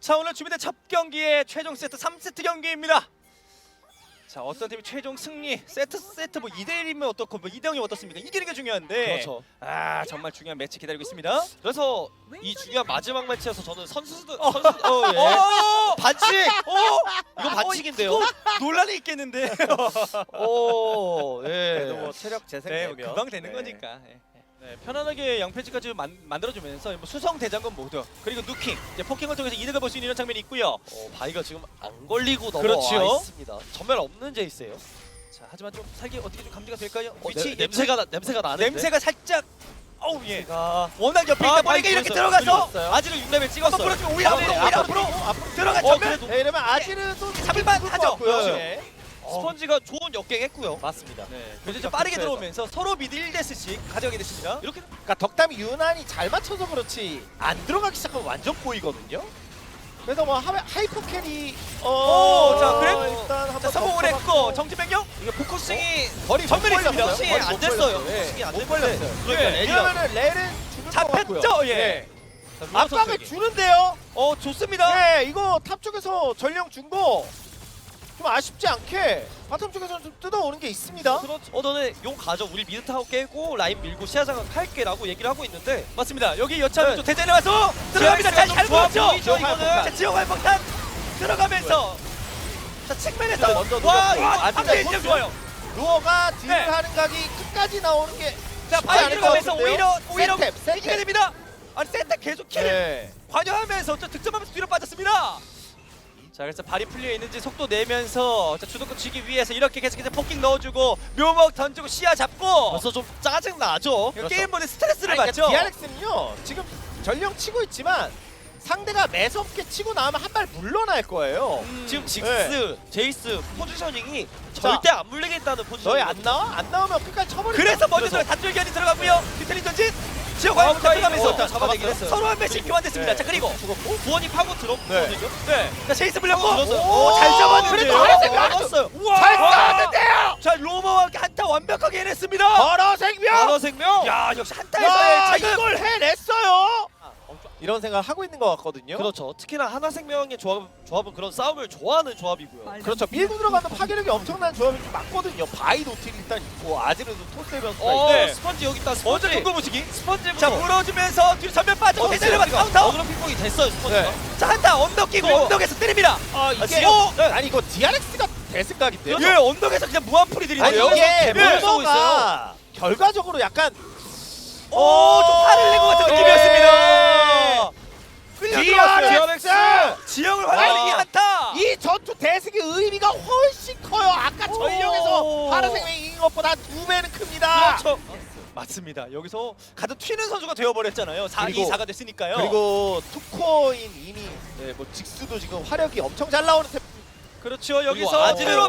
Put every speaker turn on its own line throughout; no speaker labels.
자, 오늘 준비된 첫 경기의 최종 세트 3세트 경기입니다. 자, 어떤 팀이 최종 승리 세트 뭐 2대1이면 어떻고 뭐 2대0이면 어떻습니까? 이기는 게 중요한데
그렇죠.
아, 정말 중요한 매치 기다리고 있습니다.
그래서 이 중요한 마지막 매치에서 저는 선수들 예.
반칙!
이거 반칙인데요.
이거 논란이 있겠는데.
예.
그래도 뭐 체력 재생
네,
되면
금방 되는
네.
거니까. 네, 편안하게 양패지까지 만들어주면서 뭐 수성 대장군 모두 그리고 누킹 이제 포킹을 통해서 이득을 볼 수 있는 이런 장면이 있고요.
바이가 지금 안 걸리고 넘어와
그렇죠.
있습니다. 전멸 없는 제이스예요.
자, 하지만 좀 살기 어떻게 좀 감지가 될까요? 위치
냄새가 나는데.
냄새가 살짝. 어우 예.
가
워낙 옆에 있다 보니까 이렇게 들어가서
아지를 6레벨
한번
찍었어요.
불어주면 오히려 앞으로 들어가 전면
그래도
네, 이러면 아지르도
잡을만 하죠.
네.
스펀지가 좋은 역갱했고요.
맞습니다.
네. 그래서 좀 빠르게 들어오면서 서로 미드 1대스씩 가져가게 됐습니다.
이렇게
그러니까 덕담이 유난히 잘 맞춰서 그렇지 안 들어가기 시작하면 완전 보이거든요. 그래서 뭐 하이퍼 캐리
자, 그래?
일단 한번
자, 성공을 했고 정지 변경.
이게 포커싱이
거리
전멸이 있습니다.
포커싱이 안 됐어요.
예.
포커싱이 안
못
됐는데.
걸렸어요.
그러니까
예.
레디가
이러면은 레는 죽을 것 같고요.
잡혔죠. 예.
압박을 주는데요.
좋습니다.
네, 이거 탑 쪽에서 전령 준 거 좀 아쉽지 않게 바텀 쪽에서 좀 뜯어오는 게 있습니다.
그렇죠. 너네 용 가져. 우리 미드 타워 깨고 라인 밀고 시야장은 할게라고 얘기를 하고 있는데
맞습니다. 여기 여차하면
네.
좀 대전에 와서 들어갑니다.
지하철
잘
좋아
보였죠.
보이죠, 이거는.
자, 지역 활폭탄 들어가면서 자, 측면에서
먼저
와,
노렸고.
이거
아직까지
앞에 인정 좋아요.
루어가 딜을
네.
하는 각이 끝까지 나오는 게
자,
쉽지
바이
않을 것
들어가면서
같은데요.
오히려
세탭.
이기게 됩니다. 아니, 세트 계속 킬을
네.
관여하면서 또 득점하면서 뒤로 빠졌습니다. 자, 그래서 발이 풀려 있는지 속도 내면서 자, 주도권 쥐기 위해서 이렇게 계속해서 포킹 넣어주고 묘목 던지고 시야 잡고
벌써 좀 짜증 나죠.
이거 게임 모드 스트레스를
아니,
받죠.
그러니까 DRX는요 지금 전령 치고 있지만 상대가 매섭게 치고 나오면 한 발 물러날 거예요.
지금 직스, 제이스 포지셔닝이
자,
절대 안 물리겠다는 포지셔닝.
너희 안 나와? 안 나오면 끝까지 쳐버리자.
그래서 먼저
그래서.
단줄기한이 들어가고요. 디테일링 전진 지역 활폭 들어가면서
일단 잡아내긴 했어요.
서로 한 발씩 교환됐습니다.
네.
자, 그리고
죽었고.
구원이 파고 들었거든요.
네, 자, 제이스 물렸고
들었어요.
오잘 잡았는데요.
그래도 하나 생각
알았어요.
우와.
잘 싸웠는데요.
자, 로마와 함께 한타 완벽하게 해냈습니다.
걸어 생명.
단어 생명.
야, 역시 한타에서의
야,
지금
이걸 해냈어요. 이런 생각을 하고 있는 것 같거든요.
그렇죠. 특히나 하나생명의 조합은 그런 싸움을 좋아하는 조합이고요.
그렇죠. 밀고 들어가면 파괴력이 엄청난 조합이 좀 맞거든요. 바이 노틸 일단 있고 아지르도 토스면서
네.
스펀지 여기 있다.
먼저
스펀지.
동거 보시기.
스펀지부터.
자, 물어주면서 뒤로 전면 빠지고 대전에 맞고 카운터.
어그로 핑퐁이 됐어요. 스펀지가.
네.
자, 한타 언덕 끼고
그리고-
언덕에서 때립니다.
아 이게
지금- 네.
아니 이거 DRX가 대승각인데요.
예, 언덕에서 그냥 무한 프리
아니
들이는데요.
이게
개발을 쓰고
뭔가 결과적으로 약간
좀 화를 낸 것 같은 느낌이었습니다.
DRX
지형을 활용하는 이 한타.
이 전투 대승의 의미가 훨씬 커요. 아까 전령에서
오.
파란생명이 이긴 것보다 2배는 큽니다.
그렇죠. 맞습니다. 여기서 가장 튀는 선수가 되어버렸잖아요. 4, 2,
그리고-
4가 됐으니까요.
그리고 투코인 이미 네, 뭐 직수도 지금 화력이 엄청 잘 나오는 템.
그렇죠. 여기서
그리고
아지르로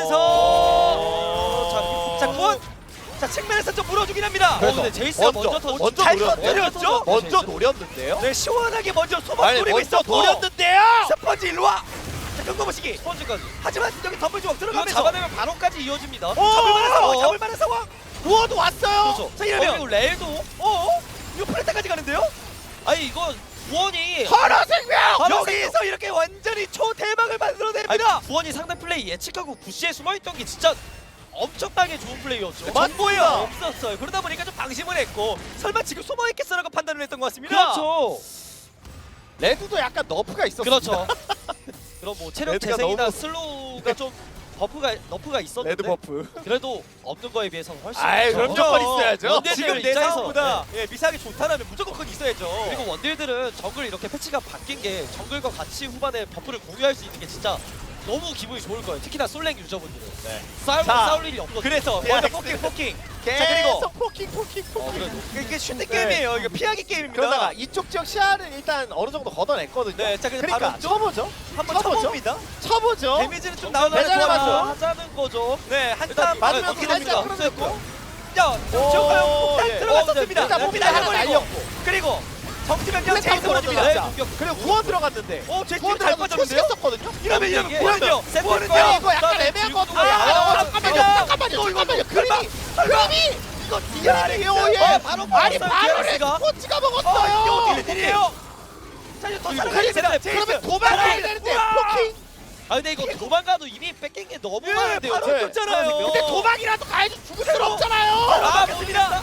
막아주면서 자, 구원. 자, 측면에서 좀 물어주긴 합니다.
그래서
근데 제이스가 먼저
잘
노렸네.
터뜨렸죠?
먼저 노렸는데요.
네, 시원하게 먼저 소박
아니
노리고
먼저
있었고
노렸는데요.
스펀지 일로 와. 자, 경고 보시기.
스펀지까지.
하지만 여기 덤블 조각
이거
들어가면서
잡아내면 바로까지 이어집니다.
잡을만한 상황, 잡을만한 상황.
구워도 왔어요.
그렇죠.
자, 이러면-
그리고 레일도
이거 플레타까지 가는데요?
아니 이거 구원이
파란생명.
여기서 이렇게 완전히 초대박을 만들어냅니다.
아니, 구원이 상대 플레이 예측하고 부시에 숨어있던 게 진짜 엄청나게 좋은 플레이였죠.
정보예요.
맞습니다.
없었어요. 그러다 보니까 좀 방심을 했고 설마 지금 숨어있겠어라고 판단을 했던 것 같습니다.
그렇죠.
레드도 약간 너프가 있었어요.
그렇죠. 그럼 뭐 체력
레드가
재생이나
너무-
슬로우가 좀 너프가 있었는데
레드 버프.
그래도 없는 거에 비해서는 훨씬
아이,
좋죠.
무조건 있어야죠.
원딜들
지금 내
입장에서.
상황보다 미사하게 좋다라면 무조건 그건 있어야죠.
그리고 원딜들은 정글 이렇게 패치가 바뀐 게 정글과 같이 후반에 버프를 공유할 수 있는 게 진짜 너무 기분이 좋을 거예요. 특히나 솔랭 유저분들은
자,
싸울 일이 없거든요.
그래서
네,
먼저
네.
포킹.
계속 포킹.
그래도
이게 슈팅
네.
게임이에요. 이거 피하기 게임입니다.
그러다가 이쪽 지역 시야를 일단 어느 정도 걷어냈거든요.
네, 자, 그래서
그러니까
바로
쳐보죠.
한번 쳐봅니다.
쳐보죠.
데미지는 좀
대단한
나오는
맞죠?
좋아요.
하자는 거죠.
네, 한타
일단
맞으면서
어떻게
살짝
됩니까?
끌어냈고.
자, 지역가요 폭탄
예.
들어갔었습니다.
일단 몸이 하나 날렸고.
그리고 정지변경
플랫
제이스
타고
보여줍니다.
들어갑니다. 그리고 구원 들어갔는데.
제이스
구원
잘
들어가서
빠졌는데요?
초시했었거든요.
이러면
이게
구원은요?
세트
구원은요?
거야.
이거 약간
그다음에
애매한 것
지금도
같아요.
잠깐만요.
잠깐만요.
설마.
그림이
이거
DRX요. 예.
바로
아니
먹었어요,
바로
DRX 가.
레스포츠가
이거
먹었어요.
어떻게 일이에요? 자 이제 더
그리고
살아가겠습니다.
그러면 도망가야 되는데 포킹.
아 근데 이거 도망가도 이미 뺏긴 게 너무
예,
많은데요.
바로
네.
줬잖아요.
근데 도망이라도 가야지 죽을 순 없잖아요.
아 맞습니다.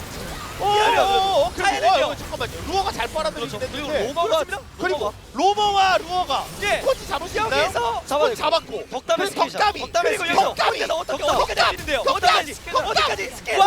그리고 잠깐만요. 루어가 잘 빨아들이긴
그렇죠. 그리고
했는데
로마가
그리고 로머와 루어가
예.
스포츠 잡을 수 있나요?
여기서
스포츠 잡았고
덕담의
그리고
스킬이죠.
덕담이
덕담의
그리고
스킬.
여기서
덕담이!
덕담이 어떻게
덕담!
어디까지 하는데요?
덕담!
어디까지 스킬?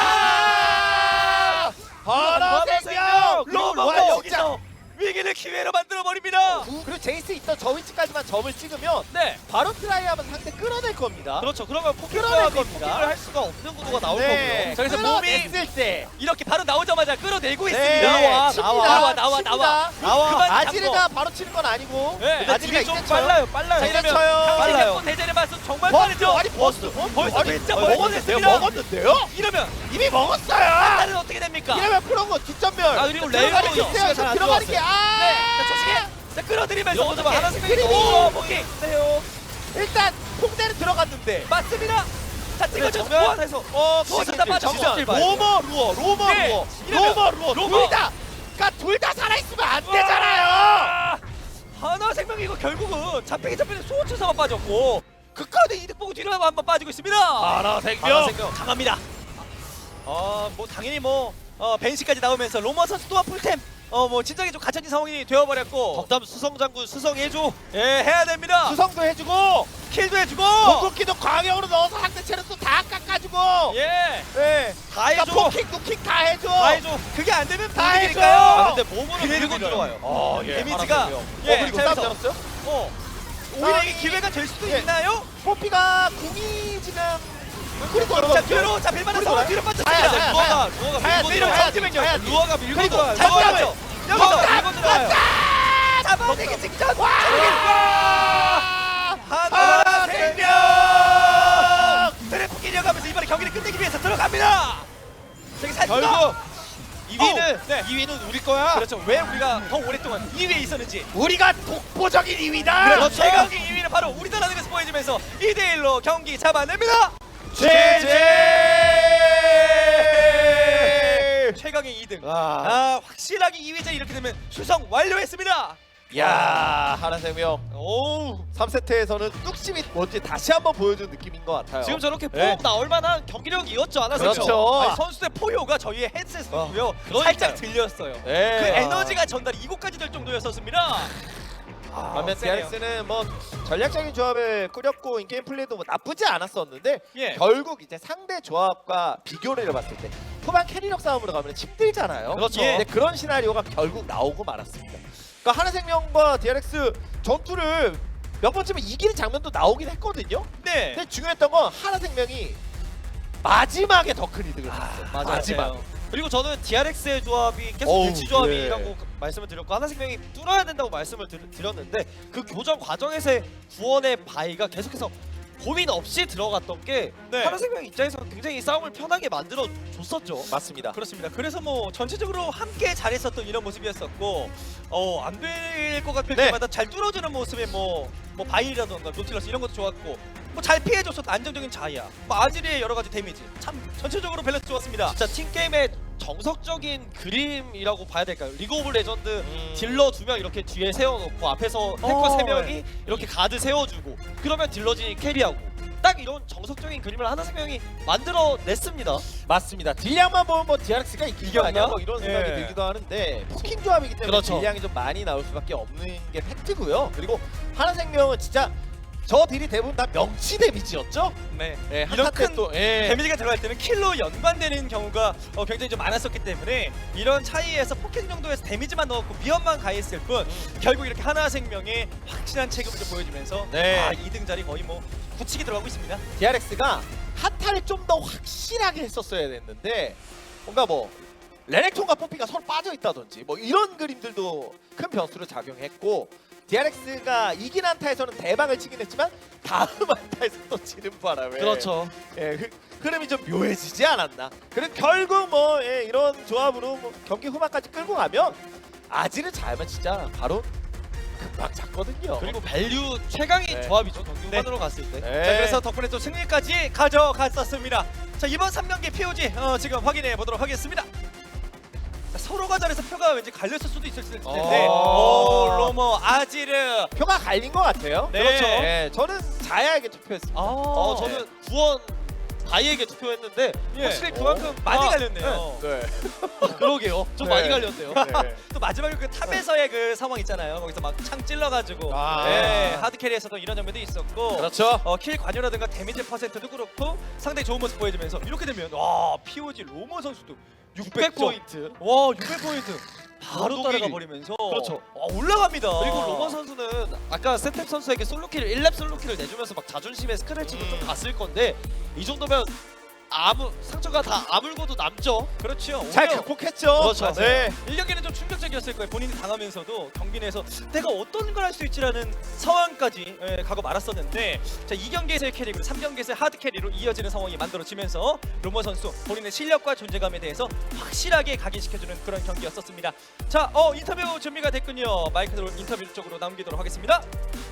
하나생명
로마가 여기서 위기를 기회로 만들어 버립니다.
그리고 제이스 있던 저 위치까지만 점을 찍으면
네.
바로 트라이하면 상대 끌어낼 겁니다.
그렇죠. 그러면
끌어낼
포켓조합이
겁니다.
포켓을 할 수가 없는 구도가 나올
네.
거고요.
자, 그래서 몸이
끌어냈을 때
이렇게 바로 나오자마자 끌어내고
네,
있습니다.
칩니다.
나와.
나와.
그만
아지르가 바로 치는 건 아니고
네.
근데
아지르가
딜이 좀
이제 쳐요.
빨라요.
자
빨라요.
이제
이러면
쳐요.
당신의
빨라요.
또 대전의 맛은 정말
버스
빠르죠.
아니 버스
벌써
아니,
진짜
먹었는데요.
먹었습니다.
먹었는데요?
이러면
이미 먹었어요.
다른 어떻게 됩니까?
이러면 프로고 뒷전멸.
아, 그리고
들어가는
레이어도
게 있어요.
역시나 잘안
들어가는 게
네. 자, 조식에
아.
자 끌어들이면서
이런 거
어떻게
하나 생각이
그리고
너무
포기
일단 퐁대는 들어갔는데
맞습니다. 자 찍어줘.
정면에서
소스다 빠져.
로머 루어
네. 이러면 로머.
둘 다 살아있으면 안 되잖아요.
하나생명이 이거 결국은 잡히기 전에 소호천사만 빠졌고 극한의 이득 보고 뒤로 한번 빠지고 있습니다. 하나생명 강합니다. 뭐 당연히 벤시까지 나오면서 로머 선수 또한 풀템 뭐 진작에 좀 갇혀진 상황이 되어버렸고
덕담 수성 장군 수성해줘.
예 해야 됩니다.
수성도 해주고
킬도 해주고
공격기도 광역으로 넣어서 상대 체력도 다 깎아주고
예
네.
다 해줘.
포킹 누킹 다 해줘.
다 해줘. 그게 안 되면
다 해줘.
불이니까요.
아 근데 몸으로
그대로
밀고
밀어요.
들어와요.
데미지가
그리고
자,
싸움
그래서
열었어요?
오히려 이게 기회가 될 수도
예.
있나요?
뽀삐가 궁이 지금 그리고
자 뒤로 자 빌만한 상황 뒤로
가야 돼.
빠졌습니다.
루어가
가야
밀고
돼.
들어와요.
가야 돼.
잠시만요.
가야 돼.
루어가 밀고
그리고
들어와요.
잠깐만요.
여기서
루어가 밀고 들어와요.
잡아내기 직전.
하나 생명.
드래프 이어가면서 이번에 경기를 끝내기 위해서 들어갑니다. 저기 살짝
결국 2위는
네.
2위는 우리 거야.
그렇죠. 왜 우리가 더 오랫동안 2위에 있었는지.
우리가 독보적인 2위다.
그렇죠. 최강의 2위는 바로 우리나라 등에서 보여주면서 2대1로 경기 잡아냅니다.
제제.
최강의 2등.
아.
확실하게 2위자 이렇게 되면 수성 완료했습니다.
야, 하나생명.
오.
3세트에서는 뚝심이 뭔지 다시 한번 보여준 느낌인 것 같아요.
지금 저렇게
네.
뽕 나올 만한 경기력이었죠 않았어요?
그렇죠.
아니, 선수의 포효가 저희의 헤드셋이고요.
그러니까요.
살짝 들렸어요.
네.
그 에너지가 전달이 이곳까지 될 정도였었습니다.
반면
세네요.
DRX는 뭐 전략적인 조합을 꾸렸고 인게임 플레이도 뭐 나쁘지 않았었는데
예.
결국 이제 상대 조합과 비교를 해봤을 때 후반 캐리력 싸움으로 가면 힘들잖아요.
그렇죠.
근데 그런 시나리오가 결국 나오고 말았습니다. 그러니까 하나생명과 DRX 전투를 몇 번쯤은 이기는 장면도 나오긴 했거든요.
네.
근데 중요했던 건 하나생명이 마지막에 더 큰 이득을 줬어요.
맞아요.
마지막.
그리고 저는 DRX의 조합이 계속
어우,
일치 조합이라고
예.
말씀을 드렸고 하나생명이 뚫어야 된다고 말씀을 드렸는데 그 교전 과정에서의 구원의 바위가 계속해서 고민 없이 들어갔던 게
네.
하나생명 입장에서 굉장히 싸움을 편하게 만들어 줬었죠.
맞습니다.
그렇습니다. 그래서 뭐 전체적으로 함께 잘했었던 이런 모습이었었고 안 될 것 같을
네.
때마다 잘 뚫어주는 모습에 뭐 바이라던가 노틸러스 이런 것도 좋았고 뭐 잘 피해줬었던 안정적인 자이야 뭐 아지리의 여러 가지 데미지 참 전체적으로 밸런스 좋았습니다.
진짜 팀게임의 정석적인 그림이라고 봐야 될까요? 리그 오브 레전드 딜러 2명 이렇게 뒤에 세워놓고 앞에서 탱커 3명이 이렇게 가드 세워주고 그러면 딜러진이 캐리하고 딱 이런 정석적인 그림을 하나생명이 만들어냈습니다.
맞습니다. 딜량만 보면 뭐 DRX가 이긴 거 아니야? 뭐 이런 생각이
예.
들기도 하는데 포킹 조합이기 때문에
그렇죠.
딜량이 좀 많이 나올 수밖에 없는 게 팩트고요. 그리고 하나생명은 진짜 저 딜이 대부분 다 명치 데미지였죠?
네.
네,
이런
한타
큰
때또 예.
데미지가 들어갈 때는 킬로 연관되는 경우가 굉장히 좀 많았었기 때문에 이런 차이에서 포켓 정도에서 데미지만 넣었고 위험만 가했을 뿐 결국 이렇게 하나생명의 확실한 체급을 좀 보여주면서
네.
2등 자리 거의 뭐 굳히게 들어가고 있습니다.
DRX가 한타를 좀 더 확실하게 했었어야 됐는데 뭔가 뭐 레넥톤과 뽀삐가 서로 빠져 있다든지 뭐 이런 그림들도 큰 변수로 작용했고 DRX가 이긴 한타에서는 대박을 치긴 했지만 다음 한타에서 또 지는 바람에
그렇죠.
예, 흐름이 좀 묘해지지 않았나. 그리고 결국 뭐 예, 이런 조합으로 뭐 경기 후반까지 끌고 가면 아지를 잘하면 진짜 바로 금방 잡거든요.
그리고 밸류 최강의
네.
조합이죠. 경기 후반으로 갔을 때.
네.
자 그래서 덕분에 또 승리까지 가져갔었습니다. 자 이번 3경기 POG 지금 확인해 보도록 하겠습니다. 자, 서로가 잘해서 표가 왠지 갈렸을 수도 있을 텐데. 로머, 아지르.
표가 갈린 것 같아요.
네.
그렇죠. 네, 저는 자야에게 투표했습니다.
저는 구원 바이에게 투표했는데
예.
확실히 그만큼
많이 갈렸네요.
네.
그러게요. 좀
네.
많이 갈렸네요.
네.
또 마지막에 그 탑에서의 그 상황 있잖아요. 거기서 막 창 찔러가지고
아.
네, 하드캐리에서도 이런 장면도 있었고
그렇죠.
킬 관여라든가 데미지 퍼센트도 그렇고 상당히 좋은 모습 보여주면서 이렇게 되면 와 POG 로머 선수도
600포인트.
와 600포인트 바로
독일이.
따라가 버리면서
그렇죠.
올라갑니다.
그리고 로머 선수는 아까 세탭 선수에게 솔로킬을 1렙 솔로킬을 내주면서 막 자존심에 스크래치도 좀 갔을 건데 이 정도면 상처가 다 아물고도 남죠.
그렇죠.
잘
오히려
극복했죠.
그렇죠.
네.
1경기는 좀 충격적이었을 거예요. 본인이 당하면서도 경기 내에서 내가 어떤 걸 할 수 있지라는 상황까지 가고 말았었는데 자 2경기에서의 캐리 그리고 3경기에서의 하드 캐리로 이어지는 상황이 만들어지면서 로머 선수 본인의 실력과 존재감에 대해서 확실하게 각인시켜주는 그런 경기였었습니다. 자 인터뷰 준비가 됐군요. 마이크로 인터뷰 쪽으로 남기도록 하겠습니다.